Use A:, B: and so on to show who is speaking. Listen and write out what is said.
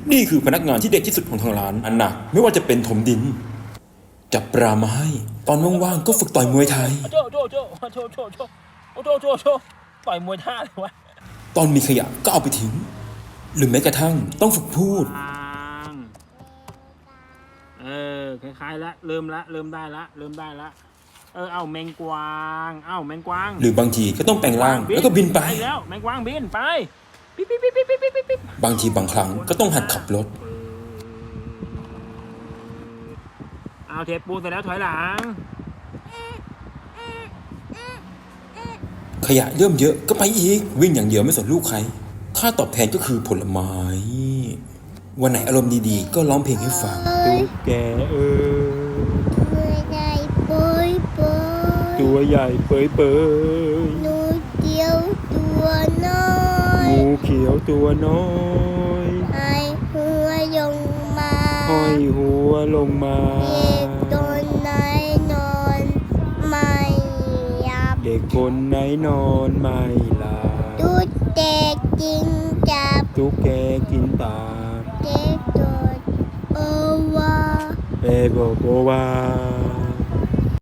A: นี่คือพนักงานที่เด็กที่สุดของทางร้านอันหนักไม่ว่าจะเป็นถมดินจับปลามาให้ตอนว่างๆก็ฝึกต่อยมวยไทย
B: โจต่อยมวยท่าเลยวะ
A: ตอนมีขยะก็เอาไปทิ้งหรือแม้กระทั่งต้องฝึกพูด
B: คล้ายๆละเริ่มได้ละเอาแมงกวางแมงกวาง
A: หรือบางทีก็ต้องแปลงร่างแล้วก็บินไป
B: แล้วแมงกวางบินไปปิ๊
A: บางทีบางครั้งก็ต้องหัดขับรถ
B: เอาเทปูเสร็จแล้วถอยหลัง
A: ขยะเริ่มเยอะก็ไปอีกวิ่งอย่างเดียวไม่สนลูกใครค่าตอบแทนก็คือผลไม้วันไหนอารมณ์ดีๆก็ร้องเพลงให้ฟัง
B: ตุ๊กแกตัวใหญ่เปย
C: งูเขียวตัวน้อย
B: งูเขียวตัวน้อยห้อยหัวลงมา
C: เด็กคนไหนนอนไม่หลับ
B: เด็กคนไหนนอนไม่หลับ
C: ตุ๊กแกกินจับ
B: ตุ๊กแกกินตา
C: เด็กโดดโอวา
B: เบโบโบวา